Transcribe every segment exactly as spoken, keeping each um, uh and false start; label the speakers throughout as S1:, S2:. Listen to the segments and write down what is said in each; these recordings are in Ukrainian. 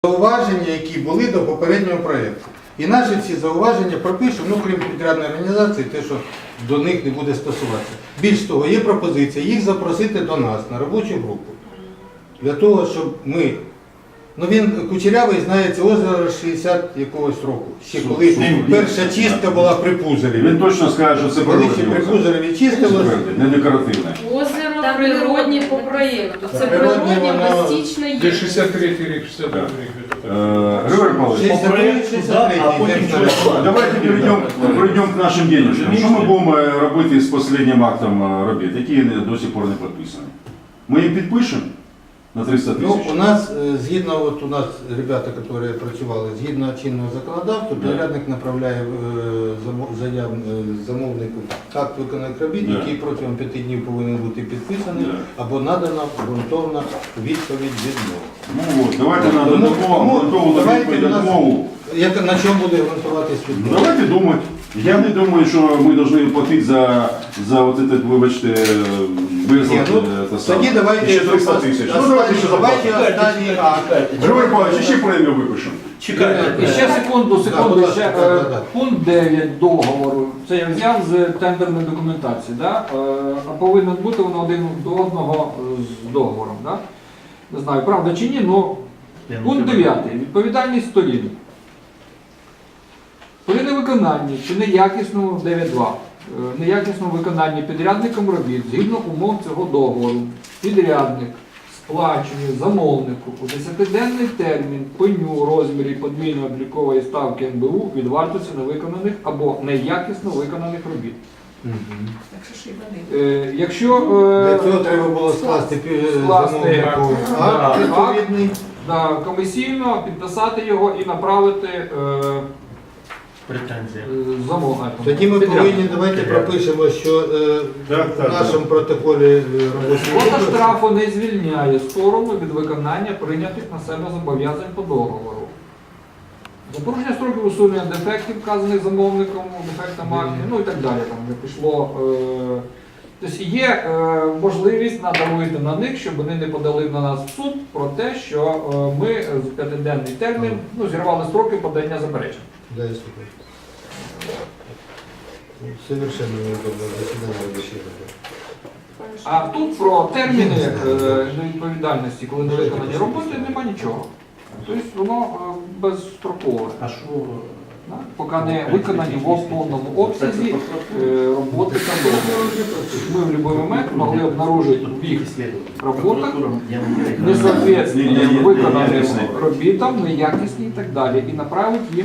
S1: Зауваження, які були до попереднього проєкту. І наші всі зауваження пропишемо, ну крім підрядної організації, те, що до них не буде стосуватися. Більш того, є пропозиція їх запросити до нас на робочу групу. Для того, щоб ми... Ну він кучерявий, знає, це озеро шістдесят якогось року. Ще коли перша чистка була при Пузареві.
S2: Він точно скаже, що це
S1: Коли
S2: природне
S1: ще при
S2: озеро.
S1: Пузареві чистилося.
S2: Не декоративне.
S3: Озеро природні по проєкту. Це
S1: Природнє
S3: природні
S1: воно-
S3: пластичне є.
S4: Де шістдесят третій рік, шістдесят третій рік.
S2: Григорий Павлович,
S1: шістдесят три шістдесят три
S5: а потім щось.
S2: давайте перейдем, перейдем к нашим денежкам. Що ми будемо робити з останнім актом робіт, які до сих пор не підписані? Ми їх підпишемо на триста
S1: Ну,
S2: тисяч?
S1: у нас, е, згідно, от у нас ребята, які працювали, згідно чинного законодавства,
S2: Да.
S1: підрядник направляє е, замо- заяв е, замовнику акт виконаних робіт,
S2: Да.
S1: який протягом п'яти днів повинен бути підписаний,
S2: Да.
S1: або надана ґрунтовна відповідь відмови.
S2: Ну от, давайте на
S1: Тому-
S2: додаткову
S1: тому
S2: ґрунтовну
S1: давайте
S2: відповідь
S1: у нас-
S2: відмову.
S1: Як, на чому буде ґрунтуватись
S2: Ну,
S1: відмова?
S2: давайте думати. Я не думаю, що ми повинні платити за, за от этот, вибачте, визвати.
S1: Ні, ну,
S2: те саме.
S1: Тоді давайте,
S2: Ще триста тисяч. Ну, давайте ще
S1: давайте
S2: заплатимо.
S1: останній акт.
S2: Григорій Павлович, ще премію випишемо.
S5: Чекайте.
S6: І ще секунду,
S1: Да,
S6: секунду,
S1: будь ласка,
S6: ще
S1: да,
S6: е,
S1: да, да.
S6: пункт дев'ять договору. Це я взяв з тендерної документації, да? Е, а повинен бути воно один до одного е, з договором. Да? Не знаю, правда чи ні, але пункт дев'ятий. Відповідальність сторін. При невиконанні чи неякісному дев'ять два, е, неякісному виконанні підрядником робіт згідно умов цього договору, підрядник сплачує замовнику у десятиденний термін пеню у розмірі подвійної облікової ставки ен бе у від вартості невиконаних або неякісно виконаних робіт.
S1: Мгм.
S6: Е, якщо
S1: Для
S6: е,
S1: цього треба було скласти пі-
S6: Скласти
S1: замовнику
S6: акт.
S1: акт відповідний.
S6: да, комісійно підписати його і направити е,
S5: Претензія.
S6: е, замовнику.
S1: Тоді ми
S6: Підряднику.
S1: повинні, давайте пропишемо, що е,
S2: Так,
S1: в
S2: так,
S1: нашому протоколі е, робочої
S6: Квота
S1: групи
S6: штрафу не звільняє сторону від виконання прийнятих на себе зобов'язань по договору. За порушення строків усунення дефектів, вказаних замовником, дефектам акті, ну і так далі. Там вже пішло. Е... Тобто є е, можливість надавити на них, щоб вони не подали на нас в суд про те, що е, ми з п'ятиденний термін ну, зірвали строки подання заперечень.
S1: Да, я слухаю. Совершенно неудобно засідання робочої групи.
S6: А тут про терміни е, відповідальності, коли не виконані роботи, нема нічого. Тобто воно е, безстрокове.
S5: А що?
S6: Да? Поки не виконані в повному обсязі е, роботи та договору. Ми в будь-який момент могли обнаружити в їх роботах несоответствие виконаним робітам, неякісні і так далі. І направити їм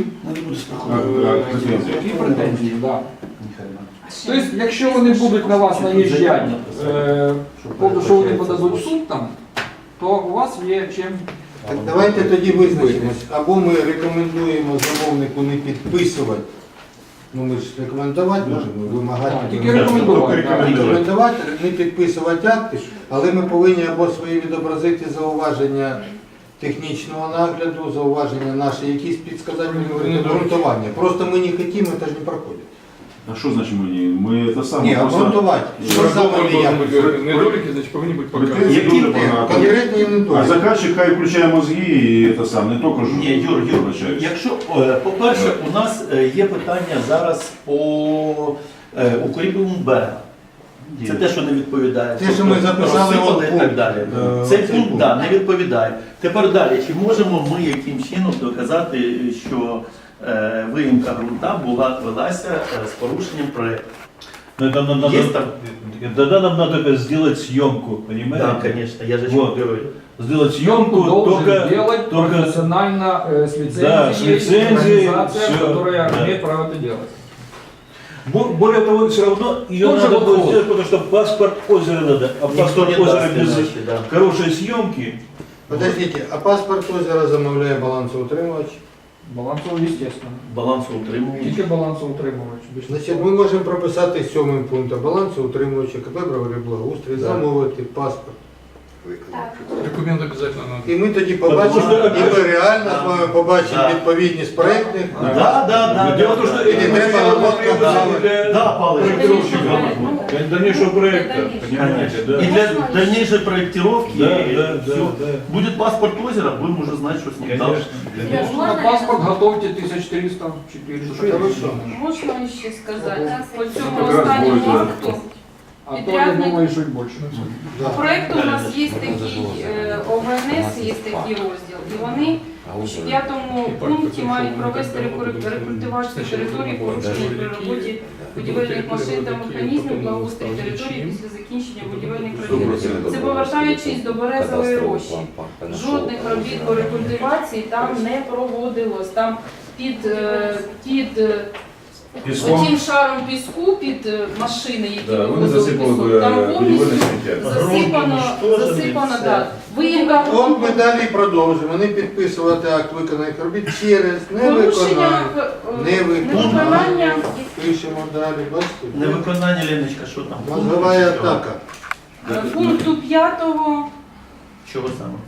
S6: е, такі претензії. Да. Тобто, якщо вони будуть на вас наїжджати, е, повно, що вони подадуть в суд там, то у вас є чим.
S1: Так, давайте тоді визначимось. Або ми рекомендуємо замовнику не підписувати. Ну ми ж рекомендувати можемо, вимагати.
S6: Так, тільки рекомендувати.
S1: Так, рекомендувати, не підписувати акти, але ми повинні або свої відобразити зауваження технічного нагляду, зауваження наші, якісь підсказати обґрунтування. Просто ми не хочемо, це ж не проходить.
S2: А що значить ми ні? Ми це саме
S1: Ні, обґрунтувати. Що саме неякісно?
S4: Недоліки, значить, повинні бути показані.
S2: Претензії
S5: Які
S2: дуже багато.
S1: Конкретні
S2: А
S1: недоліки.
S2: заказчик хай включає мозги і це саме, не тільки ж.
S5: Ні, Юр, Юр,
S2: вибачаюсь.
S5: якщо, е, по-перше, у нас е, є питання зараз по е, укріпленому берега. Це те, що не відповідає.
S1: Те, що ми записали
S5: Розсипали
S1: от
S5: і так
S1: пункт.
S5: далі.
S1: Е,
S5: Цей
S1: оцей
S5: пункт
S1: пункт.
S5: да, не відповідає. Тепер далі, чи можемо ми яким чином доказати, що е, виїмка ґрунта була велася е, з порушенням проєкту?
S7: Но это нам надо,
S5: Есть там?
S7: тогда нам надо сделать съемку, понимаете?
S5: Так, звісно, я же
S7: Вот.
S5: говорю.
S7: Сделать
S6: Съемку
S7: съемку
S6: должен
S7: только,
S6: делать
S7: только
S6: профессионально э, с лицензией,
S7: Да, с лицензией,
S6: организация,
S7: всё,
S6: которая
S7: да.
S6: имеет право это делать.
S7: Бо- более того, все равно ее
S6: Тоже
S7: надо будет
S6: вопрос.
S7: сделать, потому что паспорт озера надо, а
S5: Никто
S7: паспорт
S5: не
S7: озера
S5: даст
S7: без
S5: иначе, да.
S7: хорошей съемки.
S1: Подождите, а паспорт озера замовляє балансоутримувач?
S6: Балансово, естественно.
S5: Балансоутримувач.
S6: Тільки балансоутримувач. більше
S1: Значить,
S6: нічого.
S1: ми можемо прописати сьомим пунктом балансоутримувача КП «Правовий благоустрій»,
S6: Да.
S1: замовити паспорт
S4: Документ обязательно надо.
S1: І ми тоді побачимо,
S7: Потому що-
S1: і ми реально з вами побачимо
S5: Да.
S1: відповідність проєктних.
S5: Да, да, да.
S7: Но дело в том, что
S1: Или
S7: эти
S1: треба
S7: материалы
S1: работать
S7: требуются
S1: за-
S7: для
S5: Да, Павлович.
S7: проектировщика, для дальнейшего проекта, понимаете, да?
S5: И для дальнейшей проектировки
S7: Да, да, да,
S5: всё.
S7: да.
S5: Будет паспорт озера, будем уже знать, что с ним
S7: Конечно.
S5: дальше.
S6: На паспорт готовьте тисяч триста чотириста.
S1: Хорошо.
S3: Можна ще сказати, по цьому
S2: Якраз
S3: останньому
S2: буде, да.
S3: акту
S6: А то я
S3: Підрядник-
S6: думаю, що й більше.
S1: Да.
S3: по проекту у нас є такий е, ОВНС, є такий розділ, і вони у п'ятому пункті мають провести рекур- рекультивацію території, порушення при роботі будівельних машин та механізмів, благоустрій території після закінчення будівельних робіт. Це повертаючись до Березової рощі. Жодних робіт по рекультивації там не проводилось. Там під, е, під е,
S2: Піском.
S3: Отім шаром піску під е, машини, які
S2: Да, вони
S3: вивозили
S2: засипали
S3: пісок,
S2: б,
S3: там
S2: е,
S3: повністю
S2: будівельне сміття.
S3: засипано,
S5: Грунт
S3: засипано,
S5: уничтожений,
S3: так. Виїмка
S1: От ми далі продовжимо. Вони підписувати акт виконаних робіт через
S3: порушення,
S1: невиконання.
S3: е, невиконання.
S1: Пишемо далі, бачите?
S5: Невиконання, Леночка, що там?
S1: Мозгова атака.
S3: Е, Пункту п'ятого
S5: Чого саме?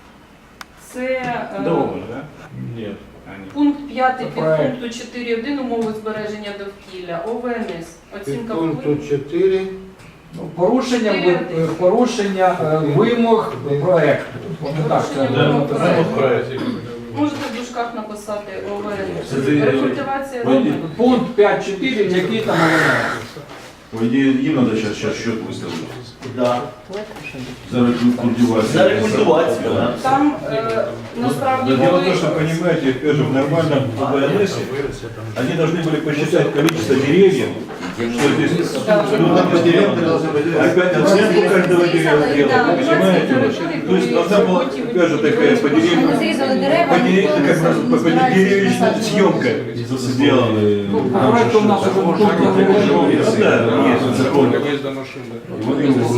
S3: це е,
S7: Дома, да? Нет.
S3: пункт п'ятий
S6: Це
S3: під
S6: проект.
S3: пункту чотири один умови збереження довкілля, ОВНС, оцінка
S1: Пункту
S3: впливу.
S1: чотири.
S6: Ну, Порушення, ви- е, порушення е, вимог проекту. Вони так це
S3: Порушення вимог
S6: написано.
S3: проекту. Можете в дужках написати ОВНС.
S2: Це ти-
S3: Рекультивація
S2: Пойди.
S3: робіт.
S6: Пункт п'ять чотири, який там елемент?
S2: По идее, им надо сейчас, сейчас счет выставить.
S5: Да.
S2: За рекультивацию.
S5: За рекультивацію, да.
S3: Там е, насправді
S7: Дело в
S3: були
S7: том, что, понимаете, опять же, в нормальном ВНС они должны были посчитать количество деревьев, что здесь абсолютно
S1: Там по
S7: не
S1: деревьям
S7: сделано.
S1: должны быть.
S7: Опять оценку каждого дерева сделать, вы понимаете? То есть должна была, опять же, такая по деревьям,
S8: Зрізали дерева,
S7: по деревьям,
S8: ніхто не
S7: как
S8: знає,
S7: бы, по
S8: не збирається
S7: деревьевичная
S8: насаджувати.
S7: съемка сделана.
S6: Ну, по проекту у нас уже пункт не
S7: Ну, да, есть закон.
S4: Выезда машин, да.
S2: И вот им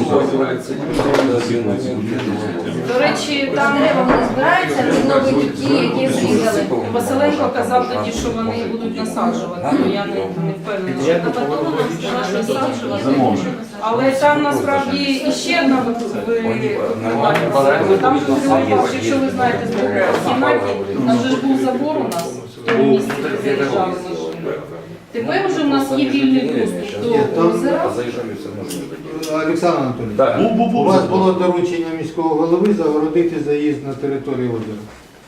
S3: До речі, там
S8: Дерева вони збираються, відновлюють ті, які зрізали.
S3: Василенко казав тоді, що вони будуть насаджувати. Ну, я не, не впевнена, що на потом нам сказали насаджувати.
S2: Замовник.
S3: Але там насправді іще одна виконання. Там же Василенко, якщо ви знаєте, з боку в кімнаті, там же ж був забор у нас в тому місці, де заїжджали машини. Тепер вже у нас є вільний доступ до озера.
S1: Олександр Анатолійович,
S9: Так.
S1: у
S5: Бу-бу-бу.
S1: вас було доручення міського голови загородити заїзд на територію озера.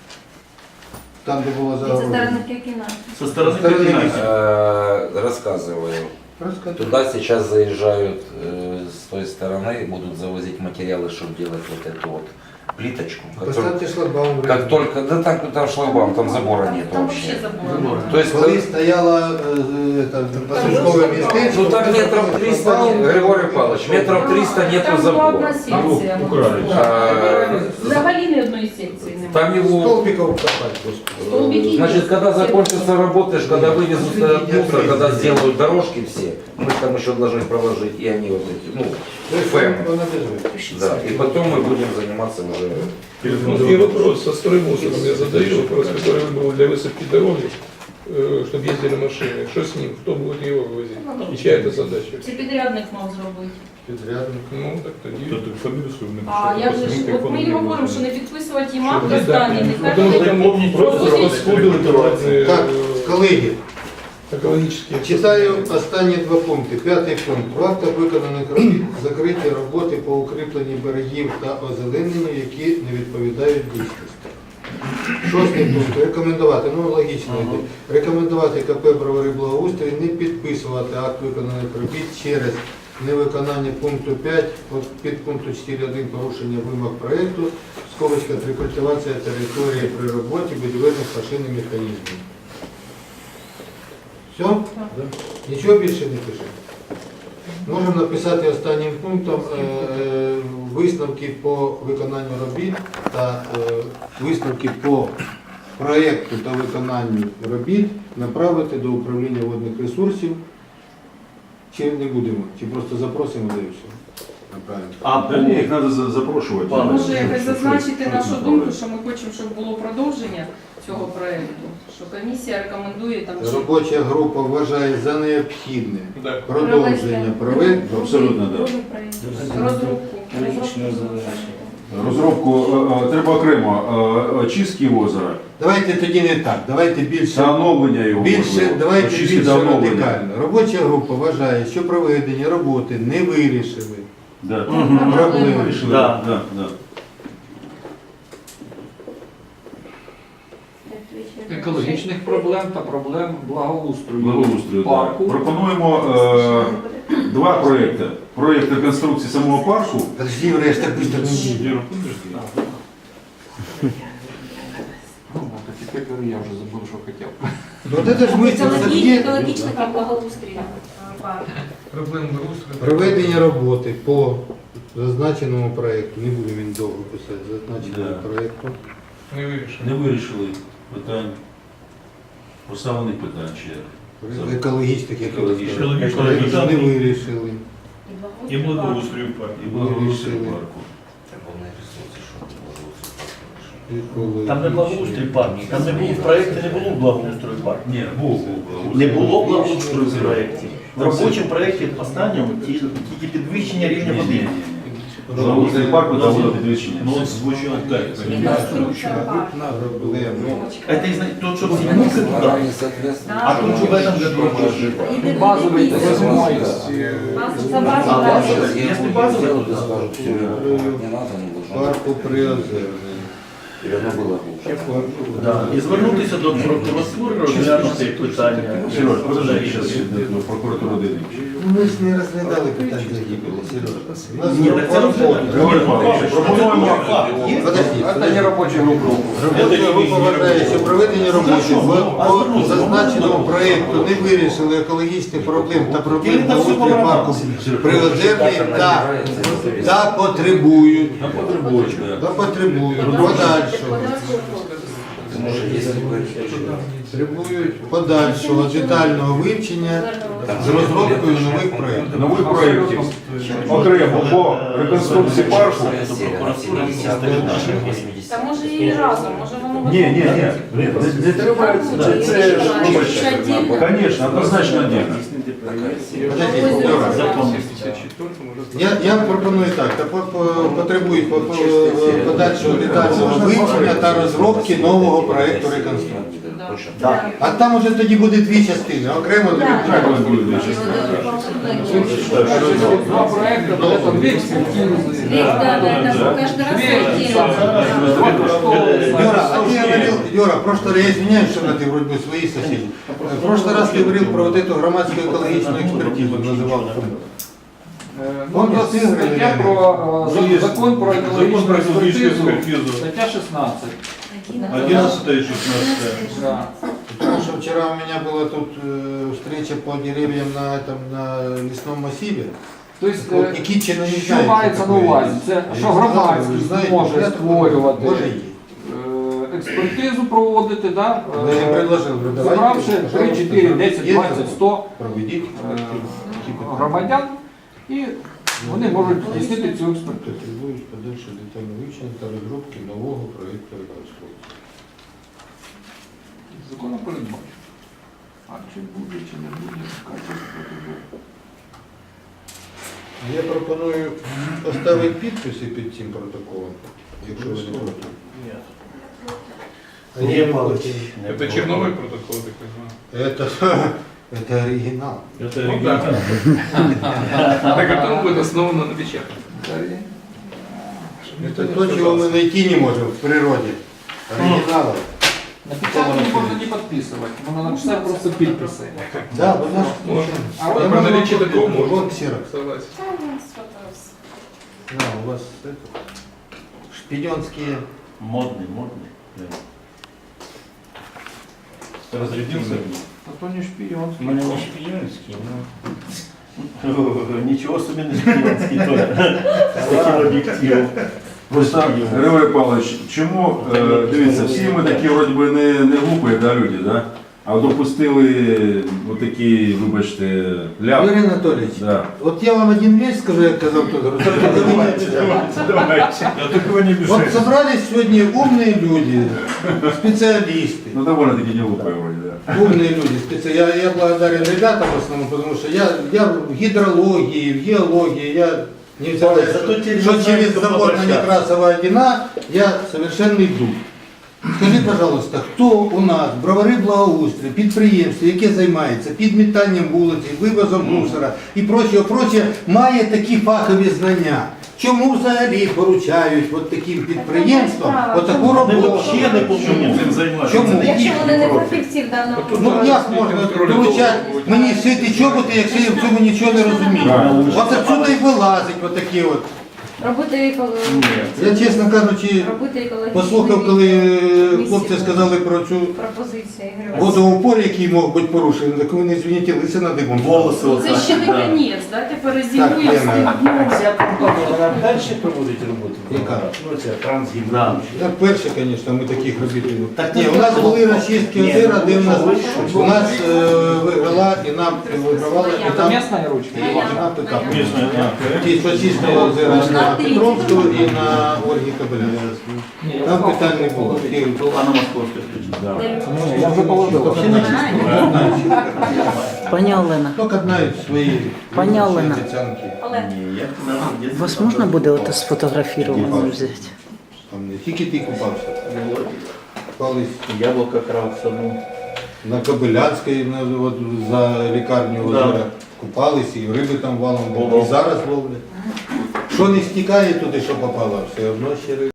S1: Там, де було
S8: Це
S1: загородити.
S8: староники кіна.
S5: Со стороны
S1: Стороны
S5: Катинайки.
S9: Э, Рассказываю.
S1: Розкажи.
S9: Туда сейчас заезжают э, с той стороны и будут завозить материалы, чтобы делать вот эту вот плиточку. Как только,
S1: Поставте шлагбаум.
S9: как только- да там, там шлагбаум, там забора нет
S3: Там
S9: вообще.
S3: взагалі заборонено.
S9: То есть,
S1: Коли
S9: э,
S1: стояла е, е, пасажкове містечко,
S9: ну там метров триста, не- Григорий Павлович, метров триста нету
S3: Там була одна
S9: забора.
S3: секція.
S9: А,
S3: Взагалі ні одної секції немає.
S9: Там его,
S1: столбиков копать, господи.
S3: Столбики
S9: значит,
S3: есть.
S9: когда закончатся работы, ж, когда вывезут этот мусор, когда сделают дорожки все, мы ж там еще должны проложить, и они вот эти, ну, ФЭМ.
S1: Вона держить.
S9: Да, и потом мы будем заниматься уже.
S4: Ну, и вопрос со строймусором я задаю, вопрос, который был для высыпки дороги, чтобы ездили машины. Что с ним? Кто будет его вывозить? И чья это задача?
S3: Це підрядник мав зробити.
S1: Підрядник.
S4: Ну, так тоді.
S7: Кто-то фамилию свою
S3: А як же ж, от ми і говоримо, що не підписувати їм акт останній, нехай
S4: Потому что
S3: вони
S4: там просто
S3: проводять-
S4: расходуют разные
S1: Так, колеги,
S4: экологические.
S1: читаю останні два пункти. П'ятий пункт. В актах виконаних робіт закриті роботи по укріпленні берегів та озелененню, які не відповідають дійсності. Шостий пункт. Рекомендувати, ну логічно йде. Рекомендувати КП «Бровари Благоустрій» не підписувати акт виконаних робіт через невиконання пункту п'ять, от під пункту чотири один порушення вимог проєкту, скобочка рекультивація території при роботі будівельних машин і механізмів. Все? Нічого більше не пише. Можемо написати останнім пунктом е, е, висновки по виконанню робіт та е, висновки по проєкту та виконанню робіт направити до управління водних ресурсів. Чи не будемо? Чи просто запросимо, де і все? Направимо.
S5: А
S2: Да не, их надо за- запрошивать.
S5: Пане,
S3: Може якось зазначити нашу
S2: Что-то
S3: думку, що ми хочемо, щоб було продовження цього проєкту, що комісія рекомендує там чи-
S1: Робоча група вважає за необхідне
S4: Да.
S1: продовження проєкту.
S2: Абсолютно, да.
S3: розробку. Розробку.
S2: розробку, е, е, треба окремо е, очистки озера,
S1: Давайте тоді не так, давайте більше.
S2: встановлення його.
S1: Більше,
S2: можливо,
S1: давайте
S2: очистки
S1: більше
S2: та оновлення.
S1: радикально. Робоча група вважає, що проведені роботи не вирішили
S2: Да.
S1: проблеми.
S2: Вирішили.
S5: Да.
S2: Да, да.
S6: екологічних проблем та проблем благоустрою,
S2: Благоустрою, да.
S6: парку.
S2: Пропонуємо е, два проекти. Проєкт реконструкції самого парку.
S1: Подожди, Юра, я ж так быстро не їду.
S6: Ну, так теперь говорю, я вже забув, що хотів.
S1: Вот это ж мысль, це
S8: Екологічний,
S1: є
S8: екологічний та благоустрій. парк.
S4: Проблем благоустрою.
S1: проведення роботи по зазначеному проєкту. Не будемо він довго писати, зазначеному
S2: Да.
S1: проєкту.
S4: Не вирішено.
S2: Не вирішили питань, поставлених питань ще.
S1: Екологічних, як
S2: Екологічних.
S1: проєкту не вирішили.
S7: И благоустрою парка.
S2: І благоустрою
S1: Вирішили.
S2: парку.
S1: Екологічні.
S5: Там не благоустрій парк, там не було в проєкті, не було благоустрою парк.
S2: Ні, був, був благоустрій.
S5: Не було благоустрою в проєкті. В робочому проєкті останньому ті- тільки підвищення рівня
S2: Ні, ні,
S5: води.
S2: ні. Благоустрій парку та водопідвищення.
S7: Ну, он звучал так.
S1: Проблему.
S5: Это из тот, что взялся туда. А тут что в этом году тоже.
S6: Базовий та
S8: Базовий.
S6: зимой.
S8: За базу
S5: А,
S8: так.
S5: базовий. Если базовый, то
S1: Парку Приозерний.
S5: да. І звернутися до прокуратури, розглянути питання.
S2: Сереж, подожди, зараз до прокуратури дійдемо.
S1: Ну, ми ж не розглядали питання загибелі, Сережа.
S5: Ні, так це розглянути.
S2: Григорій Павлович, пропонуємо.
S1: Подожди,
S6: Це не робоча група.
S1: робоча група вважає, що проведення роботи по- по зазначеному проєкту не вирішили екологічних проблем та проблем благоустрою парку Приозерний та, та потребують,
S2: На потребують,
S1: та
S2: да.
S1: потребують подальшого.
S9: Может, если бы
S1: Потребують подальшого детального вивчення з розробкою нових проєктів.
S2: Нових проєктів окремо по реконструкції парку.
S3: Та може і разом, може воно
S2: Ні, ні, ні, не, не треба, це, це ж, вибачте, звісно, однозначно отдельно.
S1: Подожди, Юра. Я, я пропоную так, та по- по- потребують по- по- подальшого детального вивчення та розробки нового проєкту реконструкції.
S5: Так.
S1: А там уже тоді буде дві частини, окремо дві.
S2: Як у вас буде більше?
S6: Два проекта, при этом две экспертизы.
S8: Да, да, да, каждый раз отдельно.
S1: Юра, а ты говорил, Юра, в прошлый раз, я извиняюсь, что ты вроде бы свои соседи. В прошлый раз ты говорил про вот эту громадскую экологичную экспертизу, называл.
S6: Э,
S1: Он
S6: Ну,
S1: просто игры,
S6: стаття
S1: наверное.
S6: про э,
S7: Ну, есть
S6: закон про
S7: Закон
S6: екологічну
S7: про экологическую
S6: експертизу,
S7: экспертизу.
S6: стаття шістнадцять.
S7: одиннадцатое и шестнадцатое.
S6: Да.
S1: Потому что вчера у меня была тут э, встреча по деревьям на этом на лесном массиве.
S6: Тобто,
S1: Вот
S6: е,
S1: Никитчина не
S6: що
S1: знает,
S6: мається
S1: что
S6: на
S1: такое
S6: увазі?
S1: есть.
S6: Це
S1: Я
S6: що
S1: знаю,
S6: громадськість
S1: знаете,
S6: може
S1: я
S6: створювати,
S1: Може є.
S6: е, експертизу проводити, да?
S1: Да, я
S6: е,
S1: предложил, говорю, давайте,
S6: зібравши три, чотири,
S1: пожалуйста,
S6: десять,
S1: есть
S6: двадцять, сто
S1: проведите.
S6: е, громадян, і вони можуть здійснити цю експертизу.
S1: Потребують подальше детальне вивчення та розробки нового проєкту реконструкції.
S6: Законом передбачено. А чи буде, чи не буде, качество протоколу.
S1: Я пропоную поставити підписи під цим протоколом, якщо ви не проти. А
S5: Ні,
S1: я-
S5: Павлович.
S4: Это черновой протокол, так понимаю.
S1: Это, это оригинал.
S7: Это
S4: Ну
S7: оригинал.
S4: Так а там будет основано на печати.
S1: Это то, чего мы найти не можем в природе. Оригиналов.
S6: На печатку можна не підписувати, можна написати просто підписи.
S1: Да, вот наш.
S4: Можно.
S1: А
S4: При
S1: я могу
S4: наличии
S1: вот-
S4: такого можно.
S1: Вот ксерокс.
S4: Согласен.
S1: Да, у вас это, шпионские.
S5: Модний, модний.
S7: Разрядился.
S6: А то не шпіон.
S5: У мене не шпіонський, ну. Нічого собі не шпіонський теж. З таким об'єктивом.
S2: Просто, Григорій Павлович, чому, е, дивіться, всі ми такі вроді би не, не глупі, да, люди, да? А допустили отакі, вибачте, ляп.
S1: Юрий Анатольевич,
S2: Да.
S1: вот я вам один вещь скажу, я сказал тоже. Только вы не обижайтесь.
S7: Давайте. Я такого не
S1: Вот
S7: мешаю.
S1: собрались сегодня умные люди, специалисты.
S2: Ну, довольно таки не глупі вроді, да.
S1: Умные люди, специ- я, я благодарен ребятам в основном, потому что я, я в гидрологии, в геологии, я Невзирая,
S5: Зато теперь
S1: что
S5: мы знаем,
S1: через
S5: кто
S1: забор на
S5: обращаться.
S1: Некрасова один, я совершенный дух. Скажи, пожалуйста, хто у нас, бровари благоустрій, підприємство, яке займається підмітанням вулиці, вивозом мусора і прочого, прочого, має такі фахові знання? Чому взагалі поручають от таким підприємствам отаку
S5: Вони
S1: роботу?
S5: взагалі не повинні цим займатися.
S1: Чому?
S8: Якщо вони не фахівці в даному
S1: Ну як можна доручати мені шити чоботи, якщо я в цьому нічого не розумію? От отсюди і вилазить отакі от.
S8: робити еко-
S1: Я, чесно кажучи,
S8: робити екологічні
S1: послухав, коли е, хлопці сказали про цю
S8: пропозиції. Ігор
S1: водоупор, який мог бути порушений, так вони, звініть, лиси на дибом.
S5: Волоси
S3: Це
S5: оце.
S3: ще не
S5: Да.
S3: конець, дайте
S1: Так,
S3: перезимуємо
S1: Лена.
S3: з тим дном.
S10: Ця компанія, вона далі проводить роботу?
S1: Яка?
S10: Ну, це трансгім.
S5: Да.
S1: Я перше, звісно, ми таких робити.
S5: Так
S1: Ні,
S5: ти
S1: у нас
S5: що?
S1: були розчистки
S5: Ні,
S1: озера, де в нас,
S5: ну,
S1: у нас е, виграла і нам вигравала, і
S6: Это
S1: там
S6: местная ручка?
S1: і на ПК.
S7: Местная, да.
S1: Ті, що чистили озера на Петровську і на Ольгі Кобилян. Там питань не було. Ті,
S5: Анна Московська включена.
S6: Не, я уже положил.
S11: Пані Олена,
S1: Тільки знають свої
S11: Пані Олена.
S1: обіцянки.
S5: Ні, як на десь
S11: вас
S5: там
S11: можна
S5: там
S11: буде
S5: там
S11: ото сфотографірувати взяти?
S1: Там не тільки ти купався.
S5: було.
S1: Колись
S5: Яблука крав в саду.
S1: на Кобилянській, на, от, за лікарню
S5: Да.
S1: озера купались, і риби там валом було.
S5: Було.
S1: І зараз ловлять. Що не стікає туди, що попало, все одно ще риби.